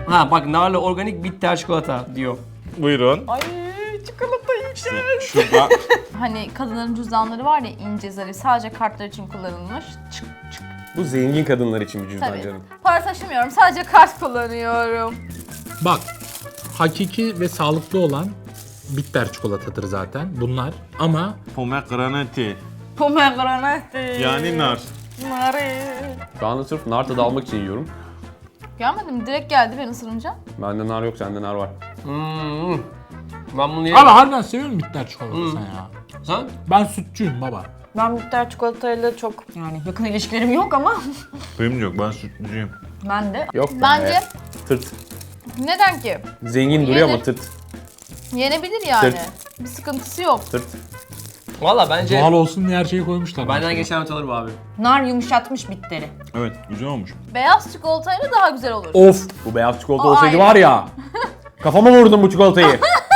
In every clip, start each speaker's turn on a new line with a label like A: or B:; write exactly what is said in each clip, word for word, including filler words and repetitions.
A: Ha bak narlı organik bitter çikolata diyor.
B: Buyurun.
C: Ay çikolata yiyeceğiz.
B: Şurada.
C: Hani kadınların cüzdanları var ya, ince zarif, sadece kartlar için kullanılmış. Çık çık.
D: Bu zengin kadınlar için bir cüzdan
C: Tabii.
D: canım.
C: Para taşımıyorum, sadece kart kullanıyorum.
E: Bak, hakiki ve sağlıklı olan bitter çikolatadır zaten bunlar ama
B: Pomegranate.
C: Pomegranate.
B: Yani nar.
C: Nari.
D: Şu anda sırf nar tadı almak için yiyorum.
C: Gelmedi mi? Direkt geldi ben ısırınca.
D: Bende nar yok, sende nar var.
A: Hmm. Ben bunu yerim.
E: Ama harbiden seviyorum bitter çikolata sen ya.
A: Sen?
E: Ben sütçüyüm baba.
C: Ben bitter çikolatayla çok yani yakın ilişkilerim yok ama
B: Benim yok, ben sütlücüyüm.
C: ben de.
D: Yok be.
C: Bence
D: Tırt.
C: neden ki?
D: Zengin duruyor ama
C: Yenir.
D: tırt.
C: Yenebilir yani.
D: Tırt.
C: Bir sıkıntısı yok.
D: Tırt.
A: Valla bence
E: Doğal olsun diye her şeyi koymuşlar.
A: benden
E: mesela.
A: geçen not alır bu abi.
C: Nar yumuşatmış bitteri.
B: Evet, güzel olmuş.
C: Beyaz çikolatayla daha güzel olur.
D: Of! Bu beyaz çikolata
C: O
D: olsaydı
C: ayrı.
D: var ya. Kafama vurdum bu çikolatayı.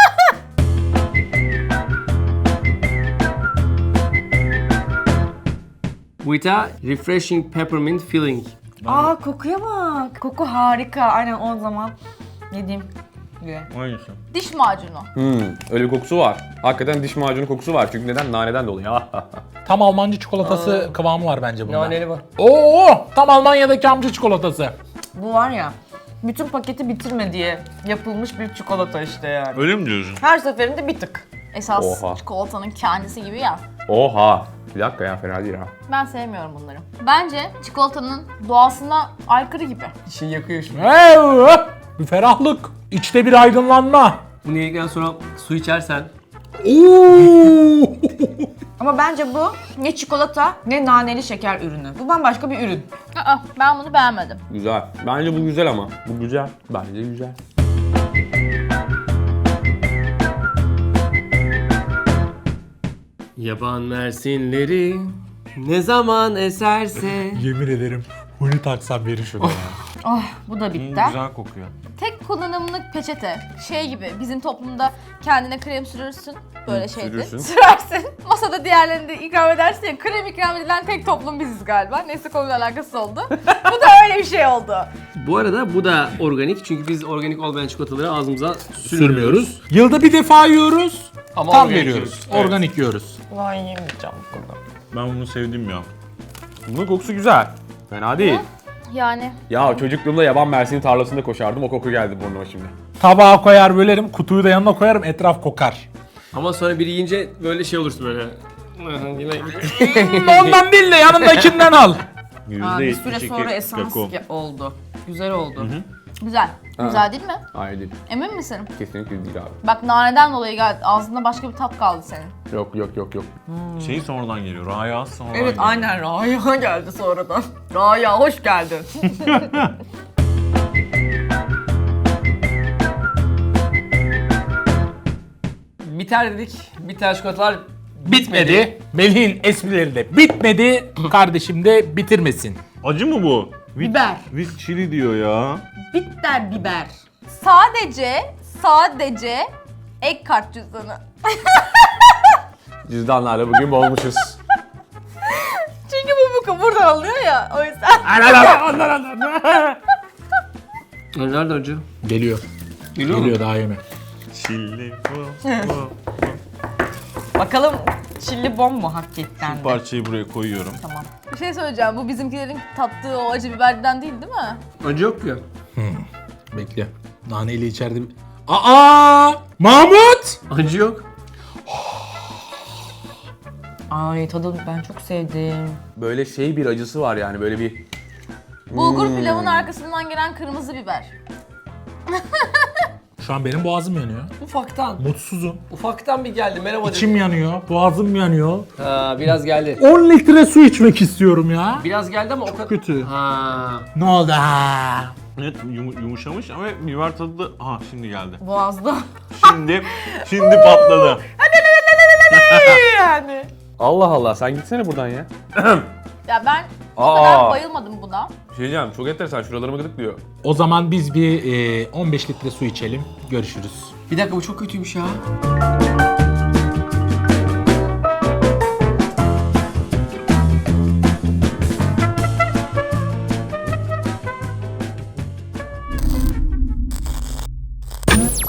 A: With a refreshing peppermint filling.
C: Aa kokuya bak. Koku harika. Aynen o zaman yediğim gibi.
B: Hangisi?
C: Diş macunu.
D: Hmm, öyle bir kokusu var. Hakikaten diş macunu kokusu var. Çünkü neden? Naneden dolayı.
E: Tam Almancı çikolatası kıvamı var bence bunda.
A: Naneli var.
E: Oo, tam Almanya'daki amca çikolatası.
C: Bu var ya, bütün paketi bitirme diye yapılmış bir çikolata işte yani.
B: Öyle mi diyorsun?
C: Her seferinde bir tık. Esas
D: Oha.
C: çikolatanın kendisi gibi ya.
D: Oha! Bir dakika ya, fena değil ha.
C: Ben sevmiyorum bunları. Bence çikolatanın doğasına aykırı gibi.
A: İçini yakıyor şimdi.
E: Hey, hop! Bir ferahlık. İçte bir aydınlanma.
A: Bunu yedikten sonra su içersen
E: Oo!
C: Ama bence bu ne çikolata ne naneli şeker ürünü. Bu bambaşka bir ürün. Aa, ben bunu beğenmedim.
D: Güzel. Bence bu güzel ama. Bu güzel. Bence güzel.
A: yaban mersinleri ne zaman eserse.
E: Yemin ederim huni taksam verir şunu ya.
C: Oh, bu da
B: Hmm,
C: bitter.
B: güzel kokuyor.
C: Tek kullanımlık peçete. Şey gibi, bizim toplumda kendine krem sürürsün. Böyle
D: Hı,
C: şeydi.
D: sürürsün.
C: Sürersin. Masada diğerlerini de ikram edersin ya. Krem ikram edilen tek toplum biziz galiba. Neyse konuyla alakası oldu. Bu da öyle bir şey oldu.
A: Bu arada bu da organik çünkü biz organik olmayan çikolataları ağzımıza sürmüyoruz.
E: Sürmüyoruz. Yılda bir defa yiyoruz.
A: Ama
E: Tam
A: organik
E: veriyoruz.
A: yiyoruz. Evet.
E: Organik yiyoruz.
C: Vay yemeyeceğim bunu.
B: Ben bunu sevdim ya.
D: Bunun kokusu güzel. Fena değil.
C: Yani
D: Ya çocukluğumda yaban mersini tarlasında koşardım. O koku geldi burnuma şimdi.
E: Tabağa koyar bölerim, kutuyu da yanına koyarım, etraf kokar.
A: Ama sonra biri yiyince böyle şey olursun böyle.
E: Ondan değil de yanındakinden al.
C: ha, bir
B: yüzde
C: süre
B: yetmiş iki
C: sonra esans
B: kakao.
C: ge- oldu. Güzel oldu. Güzel. Güzel değil mi?
D: Hayır değil.
C: Emin misin?
D: Kesinlikle değil abi.
C: Bak naneden dolayı geldi. Ağzında başka bir tat kaldı senin.
D: Yok yok yok yok.
B: Şey sonradan geliyor, Raya sonradan
C: Evet
B: geliyor.
C: aynen Raya geldi sonradan. Raya hoş geldin.
A: Biter dedik. Biter çikolatalar
E: Bitmedi. Melih'in esprileri de bitmedi. Kardeşim de bitirmesin.
B: Acı mı bu? With,
C: Biber.
B: With chili diyor ya.
C: Bitter biber. Sadece, sadece ek kart cüzdanı.
D: Cüzdanlarla bugün bozmuşuz.
C: Çünkü bu, bu buradan alınıyor ya o yüzden.
A: Ay, nerede acı?
E: Geliyor.
A: Geliyor mu?
E: Geliyor daha yeme.
B: Chili.
C: Bakalım çilli bom mu hakikaten
B: Bu
C: de?
B: parçayı buraya koyuyorum.
C: Tamam. Bir şey söyleyeceğim. Bu bizimkilerin tattığı o acı biberden değil değil mi?
A: Acı yok ki.
E: Bekle. Naneyle içeride bir... Aa! Mahmut!
A: Acı yok.
C: Ay tadı ben çok sevdim.
D: Böyle şey bir acısı var yani böyle bir...
C: Bulgur pilavın arkasından gelen kırmızı biber.
E: Şu an benim boğazım yanıyor.
A: Ufaktan.
E: Mutsuzum.
A: Ufaktan bir geldi. Merhaba dedim.
E: İçim yanıyor, boğazım yanıyor.
A: Ha, biraz geldi.
E: on litre su içmek istiyorum ya.
A: Biraz geldi ama o kadar...
E: Kötü.
A: Ha.
E: Ne oldu ha?
B: Evet yum- yumuşamış ama biber tadı da... Aha şimdi geldi.
C: Boğazda.
B: Şimdi, şimdi patladı.
C: yani.
D: Allah Allah, sen gitsene buradan ya.
C: Ya ben o
D: Aa.
C: kadar bayılmadım buna.
D: Bir şey diyeceğim, çok enteresan, şuralarımı gıdıklıyor.
E: O zaman biz bir e, on beş litre su içelim. Görüşürüz.
A: Bir dakika bu çok kötüymüş ya.